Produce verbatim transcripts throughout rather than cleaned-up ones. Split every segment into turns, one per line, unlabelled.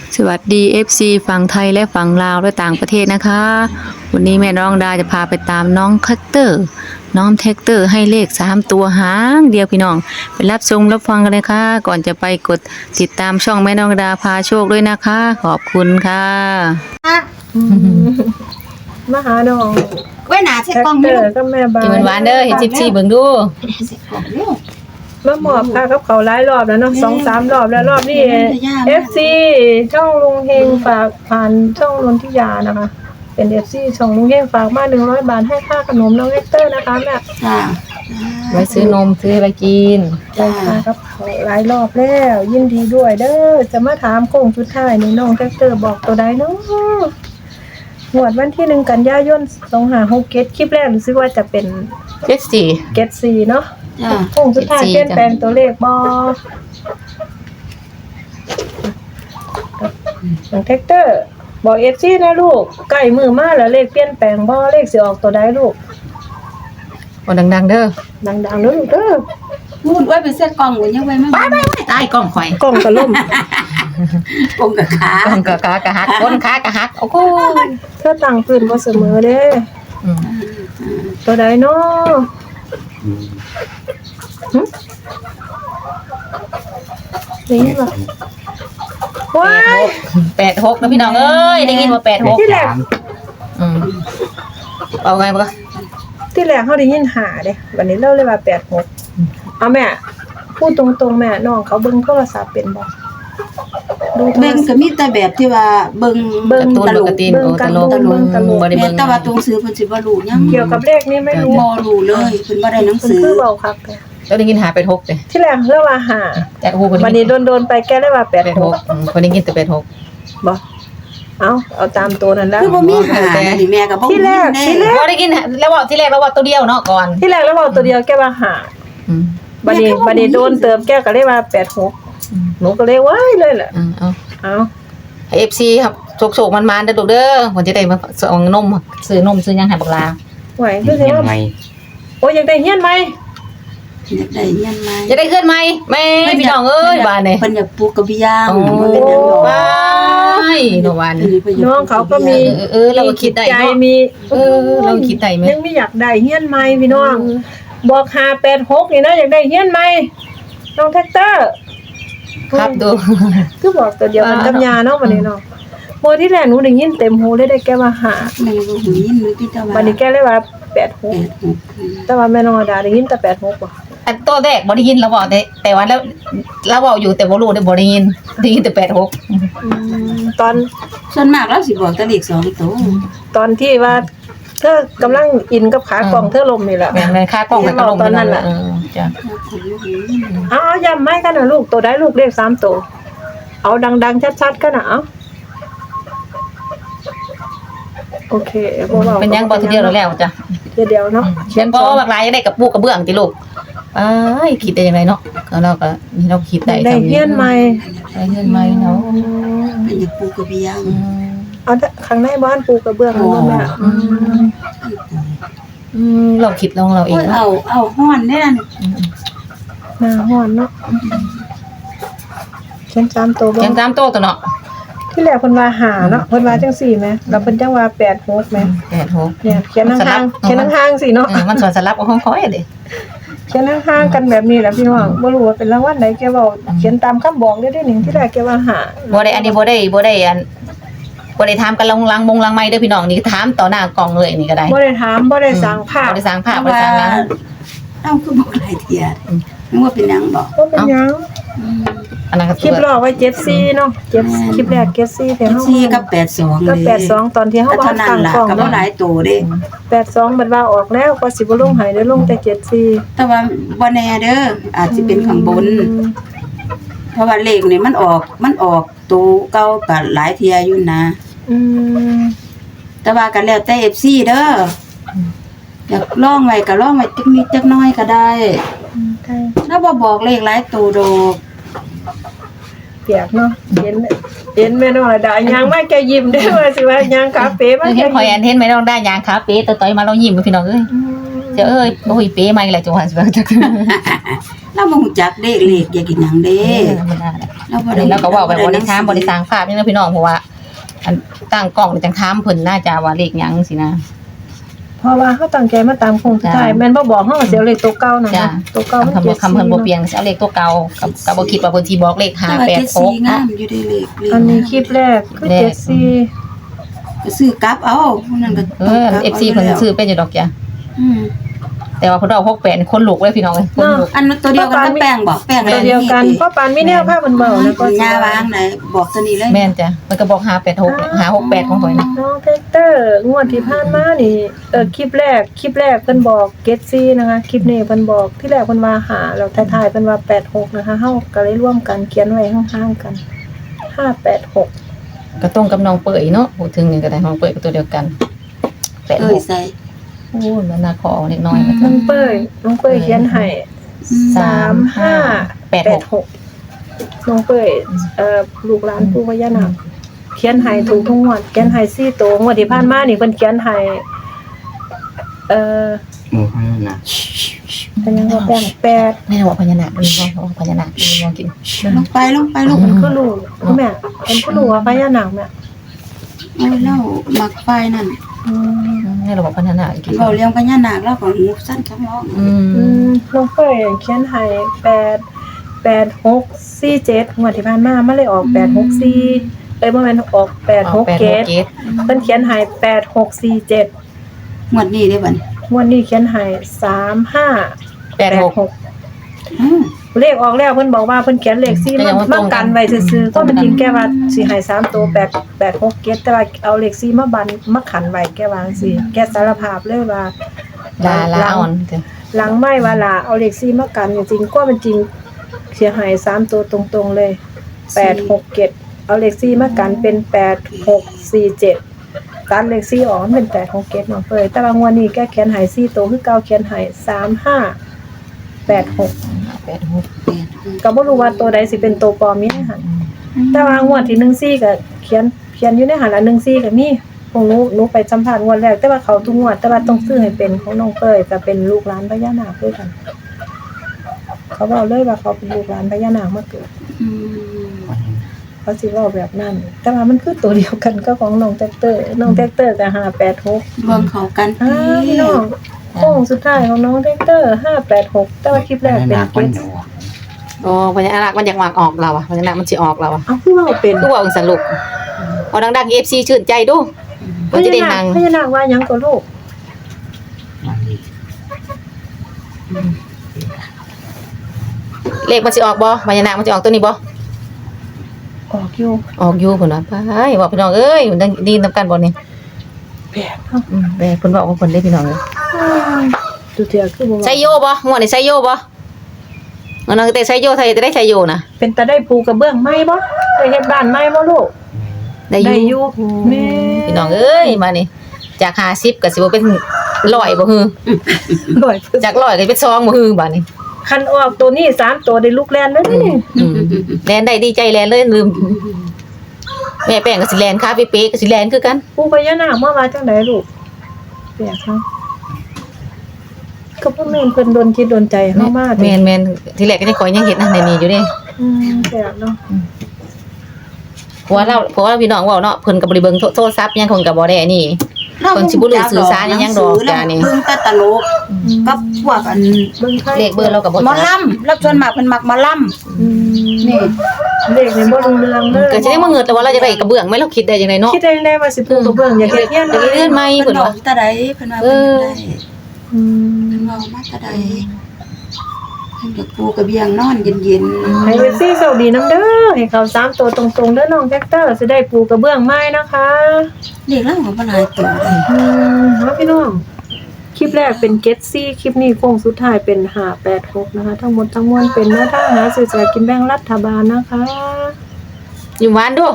สวัสดี เอฟ ซี ฝั่งไทยและฝั่งลาวและต่างประเทศนะคะ วันนี้แม่น้องดาจะพาไปตามน้องคัตเตอร์น้องแท็กเตอร์ให้เลขสามตัวหางเดียวพี่น้องไปรับชมรับฟังกันเลยค่ะก่อนจะไปกดติดตามช่องแม่น้องดาพาโชคด้วยนะคะขอบคุณค่ะ
มาหาน้อง
ไว้หนาเช็ด
แท็ก
กล้อง
เต
นี่
อ
ลู
ร์
ก
ก็แม่บ้า
กิน
น
หวานๆเด้อเห็นจิบซี่เบิ่งดู
เช็ดกล้องเร็ว
มาหมอบค่ะกับเขาหลายรอบแล้วเนาะสองสามรอบแล้วรอบนี้ เอฟ ซี ช่องลุงเฮงฝากผ่านช่องนนทิยานะคะ เป็น เอฟ ซี ช่องลุงเฮงฝากมาหนึ่งร้อยบาทให้ค่าขนมน้องแท็กเตอร์นะคะแม่
จ้า
ไว้ซื้อนมซื้ออะไรกิน
ใช่ค่ะกับเขาหลายรอบแล้วยินดีด้วยเด้อจะมาถามโค้งสุดท้ายนี่น้องแท็กเตอร์บอกตัวใดเนาะงวดวันที่หนึ่งกันยายนสองห้าหกเจ็ดคลิปแรกรู้สึกว่าจะเป็น
เจ็ดสี่
เกตซีเนาะ
จ้า
โค้งสุดท้าย
เจ็ดสี่
เปลี่ยนแปลงตัวเลขบอน้องแท็กเตอร์บอกเอฟซีนะลูกใกล้มือมาแล้วเลขเปลี่ยนแปลงบอเลขสิออกตัวใดลูก
บ่ดังๆเด้อ
ดังๆเด้อลูกเด้อ
มูดไว้ไปเช็ดกล้องไว้ยังไว้ไม่ไปไปไปตายกล้องข่อย
กล้องกระล่ม
กล้องกับขาก
ล้องกะกะกะหักก้นขากะหักโอ้โห
เธอตั้งพื้นบ่เสมอเด้
อืม
ตัวใดเนาะหึได้ยินบ่ว้าย
แปดหกนะพี่น้องเอ้ยได้ยินว่าแปดหก
ที่แรก
อืมเอาไงบ่
ที่แรกเฮาได้ยินหาเด้วันนี้เราเลยว่าแปดหกเอาแม่พูดตรงๆแม่น้องเขาเบิ่งโทรศัพท์เป็นบ่ดูโทร
เบิ่ง
ศั
ก็
พท์
มีแต่แบบที่ว่าเบิ่ง
เบิ่ง
ตูน
ตล
ป
ก
กติ
เบิ่ง
โอ้
กั
ต
น
ลก
เบิ่งตลก
บ่ได้
แม่
เบิ่ง
แต่ว่าตัวหนังสือเพิ่นสิบ่รู้ยัง
เกี่ยวกับเลขนี่ไม่รู้
บ่รู้เลยเพิ่นบ่ได้หนัง
มัน
สือ
คือเบาครับ
แล้วได้ยินหาแปดหกเด้
ที่แรกเรียกว่าหา
แต่โอ้โหคน
วันนี้โดนๆไปแก้ได้ว่าแปด
แปด
ห
ห
ก
กอืมคนได้ยินแต่แปดหก
บ่เอาเอาตามตัวนั้นแล้ว
คือบ่มีหานี่แม่ก็บ่
ที่แรกที่แร
บ่ได้ยินแล้วว่าที่แรกแล้วว่าตัวเดียวเนาะก่อน
ที่แรกแล้วเบาตัวเดียวแก้ว่าหา
อืม
วันนี้วันนี้โดนเติมแก้ก็เรียกว่าแปดหก
อืม
หนูก็เลยว้ายเลยแหละ
อืมเอา
เอา
ให้ เอฟ ซี ครับโชคๆมันๆเด้อลูกเด้อผมจะได้มาส่งนมซื้อนมซื้อหยังให้บักลา
ไหวคือสิว่าโอ้ยอยากได้เฮียนไหม
อยากได้เงินมา
จะได้ขึ้นไหมแม่พี่น้องเอ้ยบ้านนี่
เพิ่นอยากปลูกกระเบียง
โอ้
มันเป็นหยังดอก
ว้ายเนาะวัน
น้องเขาก็มี
เออเออเราก็คิดได้
ใจ
เนาะ
มี
เออเราคิดได้ไหม
ยังไม่อยากได้เฮียนไหมพี่น้อง บอกหาแปดหกนี่นะอยากได้เฮียนไหมน้องแท็กเตอร์
ครับดู
คือบอกตัวเดียวกันกับยาเนาะวันนี้เนาะโมที่แรกหนูได้ยินเต็มหูเลยได้แก้ว่าหา
แม่บ่หูยินมือพี่ตะวัน
วันนี้แก้เลยว่าแปดหก
แปดหก
แต่ว่าแม่น้องอดาได้ยินแต่แปดหกว่ะ
อันตัวแรกบ่ได้ยินเราบอกแต่แต่ว่าแล้วเราบอกอยู่แต่บ่รู้ได้บ่ได้ยินได้ยินแต่แปดหก
ตอน
ส่วนมากเราสิบอกแต่เลขสองตัว
ตอนที่ว่าเธอกำลังอินกับขากล่องเธอลมนี่แหละ
แม่นแม่นค่ากล้องแล้วก็ลง
ตอนนั้นน่ะ
เออจ้ะ
เอาเอาย้ำไม่กันนะลูกตัวได้ลูกเลขสามตัวเอาดังๆชัดๆกันนะเอาโอเคบ่ว้า
เป็นยังบ่ทีเดียวแล้วแล้วจ้ะ
เดี๋ยวเดียวเนาะ
เขียนบ่บักลายได้กับปูกระเบื้องติลูกอ้ายคิดได้ยังไงเนาะก็เราก็นี่เราคิดได้
ได้
ทำ
เฮียนใหม่
ได้เฮียนใหม่เนาะ
เป็นอยากปลูกกระเบียง
อืม
เอาแต่ข้างในบ้านปูกระเบื้องนั่นบ่แม่
อืมอืมเราคิดลองเราเอ
โอ้
ง
ย
เนาะ
เอาเอาฮ้อนได้นั่น
หน้าฮ้อนเนาะเขียนสามตัวบ่
เขียนตามโต๊ะตัวเนาะ
ที่แรกเพิ่นว่าหาเนาะเพิ่นว่าจังสี่แหมแล้วเพิ่นจังว่าแปดหกแหม
แปดหก
เนี่ยเขียนห่างๆเขียนห่างๆสิเนาะ
เออมันสอนสลับกับห้องคอยเด้
เขียนห่างๆกันแบบนี้แหละพี่น้องบ่รู้ว่าเป็นรางวัลใดแกเว้าเขียนตามคำบอกได้ได้หนึ่งที่แรกแกว่าหา
บ่ได้อันนี้บ่ได้บ่ได้อันบ่ได้ถามกันลงลังมงลังไม้เด้อพี่น้องนี่ถามต่อหน้ากล้องเลยนี่ก็ได้
บ่ได้ถามบ่ได้สร้างภาพ
บ่ได้สร้างภาพบ่ได้สร้างหยัง
เอ้าคือบอกหลายเที่ยนึกว่าเป็นหยังบอก
บ่เป็นหยัง
อันนั้นก็
คลิปรอไว้เจ็ดสี่เนาะเจ็ดคลิปแรกเจ็ดสี่แต่เฮา
สี่กับแปดสอง
ก็แปดสองตอนที่เฮา
ก็
ว่า
เท่านั้น
ตั้ง
ล่ะ
กล้อง
ก็บ่
เนาะ
หลายตัวเด้
แปดสองบัดว่าออกแล้วก็สิบ่ลงให้ได้ลงแต่เจ็ดสี่
แต่ว่าบ่แน่เด้ออาจสิเป็นข้างบน เพราะว่าเลขนี่มันออกมันออกตัวเก่าก็หลายเที่ยอยู่นะ
อืม
แต่ว่าก็แล้วแต่ เอฟ ซี เด้ออยากลองไว้ก็ลองไว้จักนิดจักน้อยก็ได้
ใช่
ถ้าบ่บอกเลขหลายตัวดอก
เปียกเนาะเห็นเห็นแม่น้องระดายางมาแกยิ้มได้ว่าสิว่ายางคาเฟ่มา
เออ
แก
เห็นหอย
ยิ้
อั
ม
นเห็นไหมน้องได้ยางขาเป๊ะต่อยๆมาเรายิ้มพี่น้องเอ้ย
อืม
เจ้าเอ้ยโอ้ยเป๊ะมาอีกแล้วจังหวะสิว่าจัก
เราบ่ฮู้จักเลขเลขอยากกินหยังเด้
เออมันน่าแหละ
เราบ่
อัน
ได้
นี้เราก็เว้าไปบ่ได้ถามบ่ได้สร้างภาพนี่นะพี่น้องเพราะว่าอันตั้งกล้องนี่จังถามเพิ่นน่าจะว่าเลขหยังสินะ
เพราะว่าเขาตั้งใจมาตามโคงสุดท้าย
จ้ะ
แม่นบ่บอกเฮาก็สิเอาเลขตัวเก่านั่น
จ้ะ
นะตัวเก่ามัน
คำ
เจ็
บ่
ด
คำเพิ่นบ่
สี่
เปลี่ยนสิเอาเลขตัวเก่ากับก็บ่คิดว่าเพิ่นสิบอกเลขห้า
แต่ว่า
แปด
เจ็ด
ห
สี่
ก
งา
นะ
มอยู่ได้เลขเลข
อันนี้คลิปแรกคือ
แรก
เจ็ดสี่
ก็ซื้อกลับเอาพวกนั้นก็
เออ เอฟ ซี เพิ่นซื้อเป็นอยู่ดอกจ้ะ
อืม
แต่ว่าเพิ่นเอาหกแปดนี่คนลุกเลยพี่น้องเอ้ยคนลุก
อันตัวเดียวกันก็แป้งบอกแป้ง
ตัวเดียวกันเพราะปานมีแนวภาพมันเบาแล้วก็
ยาวางไหนบอกตัวนี้เลย
แม่นจ้ะมันก็บอกห้าแปดหกห้าหกแปดของข่อยนะ
น้องเทคเตอร์งวดที่ผ่านมานี่เออคลิปแรกคลิปแรกเพิ่นบอกเจ็ดสี่นะคะคลิปนี้เพิ่นบอกที่แรกเพิ่นว่าหาแล้วท้ายๆเพิ่นว่าแปดหกนะคะเฮาก็เลยร่วมกันเขียนไว้ข้างๆกันห้าแปดหก
ก็ตรงกับน้องเปื่อยเนาะพูดถึงนี่ก็ได้น้องเปื่อยก็ตัวเดียวกันแปด
เอ้
ห
ย
ก
ใส่
โอ้ยมันน่าขอเล็กน้อยนะ
น้องเป้ยน้องเป้ยเขียนให้สามห้า
แปด
แป
ห
ด
ก
หกน้องเป้ยเอ่อลูกหลานปู่พญานาคเขียนให้ถูกทุกงวดเขียนให้สี่ตัวงวดที่ผ่านมานี่เพิ่นเขียนให้เอ่อ
หมู่ห้านะ
เป็นยังก็แป้งแปด
ไม่ได้บอกพญานาคมีบ่บอกพญานาคมีบ่กิน
ลงไปลงไปลง
มันคือลูกแม่เป็นผู้ลูกว่าพญานาคแม่
โอ้ยเล่ามักไฟนั่น
อืม
ให้เราบอกพญานาคกิน
เราเลี้ยงพญานาคแล้วก็หูสั้นคำร้อง
อื
อื
ม
มน้องเป้ยเขียนให้แปดแปดหกสี่เจ็ดงวดที่ผ่านมามันเลยออกแปดหกสี่เอ้ยบ่แม่นออกแปดหกเจ็ด
เจ็ด
เพิ่นเขียนให้แปดหกสี่เจ็ด
หมดนี้ได้บัดนี้
งวดนี้เขียนให้สามห้า
แปดหก
หก
อืม
เลขออกแล้วเพิ่นบอกว่าเพิ่นเขียนเลขสี่
แต่
มา
ยังว่าต
มา
รงกัน
กันไว้ซื่อๆก็มันจริงแกว่าสิให้สามตัวแปด แปด หกเจ็ดแต่ว่าเอาเลขสี่มาบันมาขันไว้แกว่าจังซี่แกสารภาพเลยว่า
ลาลาอ่อนจ้ะ
หลังไม่ว่าลาเอาเลขสี่มากันจริงๆก็มันจริงเสียหายสามตัวตรงๆเลยแปด หก เจ็ดเอาเลขสี่มากันเป็นแปด หก สี่ เจ็ดการเลขสี่ออกมันเป็นแปด หก เจ็ดน้องเฟยแต่ว่างวดนี้แกเขียนให้สี่ตัวคือเก่าเขียนให้สาม ห้า แปด หก
แปดหก
แปดหก
ก็บ่รู้ว่าตัวใดสิเป็นตัวปลอมมีในหันแต่ว่างวดที่หนึ่งสี่ก็เขียนเขียนอยู่ในหันละหนึ่งสี่ก็มีพวกหนูหนูไปสัมภาษณ์งวดแรกแต่ว่าเขาทุกงวดแต่ว่าต้องซื้อให้เป็นของน้องเฟยก็เป็นลูกหลานพญานาคด้วยกัน เขาบอกเลยว่าเขาเป็นลูกหลานพญานาคมาเกิด
อืม
เขาสิเว้าแบบนั้น แต่ว่ามันคือตัวเดียวกันก็ของน้องแท็กเตอร์น้องแท็กเตอร์ก็ห้าแปดหก
รวมเขากัน
อ่าพี่น้องโค้งสุดท้ายของน้องแท็กเตอร์ห้าแปดหกแต่ว่าคลิปแรกเป็น
หนัก
เก
มัน
ต
หนู
โอ้พญานาคมันอยากวางออกเราอ่ะพญานาคมันสิออกเราอ่ะ
เอาคือเว่าเป็น
คือว่าองสรุปเอาดังๆ เอฟ ซี ชื่นใจดู
พ
มันจะ
ญา
ได้
นา
ทา
ค
ง
พญานาคว่าหยังก็ลูก
มันนี่
เลขมันสิออกบ่พญานาคมันสิออกตัวนี้บ่
ออกอยู่
ออกอยู่เพิ่นว่าไปว่าพี่น้องเอ้ยมันดีนำกันบ่นี่
แบบเนาะ
อืมแต่เพิ่นว่าของเพิ่นได้พี่น้องเอ้ย
ดูเถื่อคือบ่ว่า
ใช้โยบ่งวดนี้ใช้โยบ่เงินแต่ใช้โยไทยจะได้ใช้โยนะ
เป็นตาได้ปูกระเบื้องไหมบ่ได้เฮ็ดบ้านไหมบ่ลูก
ได้อยู่
ได้อยู่แม่
พี่น้องเอ้ยมานี่จากห้าสิบก็สิบ่เป็นร้อยบ่ฮือ
ร้อยเปอร์เซ็นต์
จากร้อยก็เป็นสองบ่ฮือบัดนี้
คันออกตัวนี้สามตัวได้ลูกแลนเลยนะนี่
อืมแลนได้ดีใจแลนเลยลืมแม่แป้งก็สิแลนคาเป๊ะๆก็สิแลนคือกัน
ปูพญานาคมาว่าจังไดลูกแปลกเนาะก็บ่แม่นเพิ่นดนจิตดนใจเฮามา
แม่นแม่นทีแรกก็ยังขอยยังเฮ็ดนะในนี้อยู่เด้
อืมแปลกเนาะ
เพราะว่าเราเพราะว่าพี่น้องเว้าเนาะเพิ่นก็บ่ได้เบิ่งโทรศัพท์ยังคงก็บ่ได้อันนี้ คนสิบ่รู้สื่อสารอิหยังดอกจ้ะนี่
เบิ่งแต่ตลกกับพวกอัน
เบิ่งไทย
เลขเบอร์เราก็บ่
หมอลำรับชวนมากเพิ่นมักหมอล
อืม
ำนี่
เลขนี่บ่รู้เรื่องเลย
ก็สิได้มาเงิดแต่ว่าเราจะได้กระเบื้องไหมเราคิดได้จังไดเนาะ
คิดได้ได้ว่าสิปูกระเบื้องอยากเฮ็ดเฮียน
อยากเฮ็ดเรือนใหม่
เพิ่
เพิ่
น
น
บอ
ว่าก
ตาใดเพิ่นว่าเพิ่นได้
อืม
เพิ่นเว้ามาตาใดเพิ่นก็ปูกระเบียงนอนเย็น
ให้เอฟซีโชคดีนำเด้อให้เขาสามตัวตรงๆเด้อน้องแท็กเตอร์สิได้ปูกระเบื้องไม้นะคะ
ๆเด็กเล่าก็บ่หลายตัวเลย
อืมเนาะพี่น้องคลิปแรกเป็นเก็ตซี่คลิปนี้โค้งสุดท้ายเป็นห้าแปดหกนะคะ ทั้งหมดทั้งมวลเป็นแนวทางหาซื้อสลากกินแบ่งรัฐบาลนะคะ
อยู่หวานดู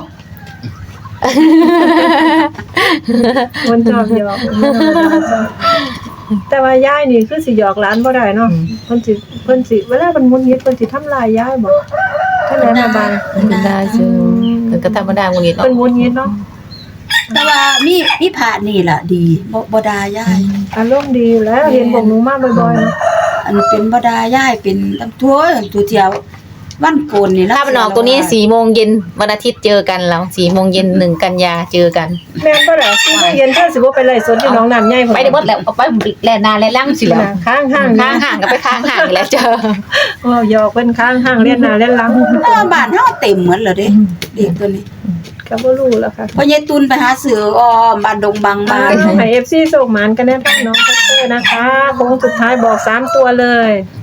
วันจอบหยอกแต่ว่ายายนี่คือสิหยอกหลานบ่ได้เนาะเพิ่นสิเพิ่นสิเวลาเพิ่นมุนยิดเพิ่นสิทำลายยายบ่เท่านั้นน่ะบาง
เป็นได้ซื่อเพิ่นก็ธรรมดาบ่งี้เนาะ
เพิ่นมุนยิดเนาะ
แต่ว่ามีมีพระนี่ล่ะดีบ่บ่ด่ายาย
อารมณ์ดีอยู่แล้วเห็นพวกหนูมาบ่อยๆเนาะ
อันเป็นบ่ด่ายายเป็นตำตัวตัวเที่ยววันโกนนี่
ถ้ามันออกตัวนี้สี่โมงเย็นวันอาทิตย์เจอกันแล้วสี่โมงเย็นหนึ่งกันยาเจอกัน
แม่นบ่ล่ะที่เย็นถ้าสิบ่ไปไล่สดที่หนองน้ำใหญ่พุ่น
ไปได้หมดแล้วเอาไปแลนาแลล่างสิแล้ว
ข้างห้าง
ข้างห่างก็ไปข้างห่างอีกแล้วเจอ
โอ้หยอกเพิ่นข้างห้างเล่นหน้าเล่นหลัง
เออบ้านเฮาเต็มหมดแล้วเด้เด็กตัวนี้
ก็บ่รู้แล้วค่ะ
พอยายตุนไปหาซื้ออ้อมบ้านดงบาง
มา
บ้าน
ให้ เอฟ ซี ส่งหมานกันแน่ทั้งน้องคัตเตอร์นะคะโค้งสุดท้ายบอกสามตัวเลย
อ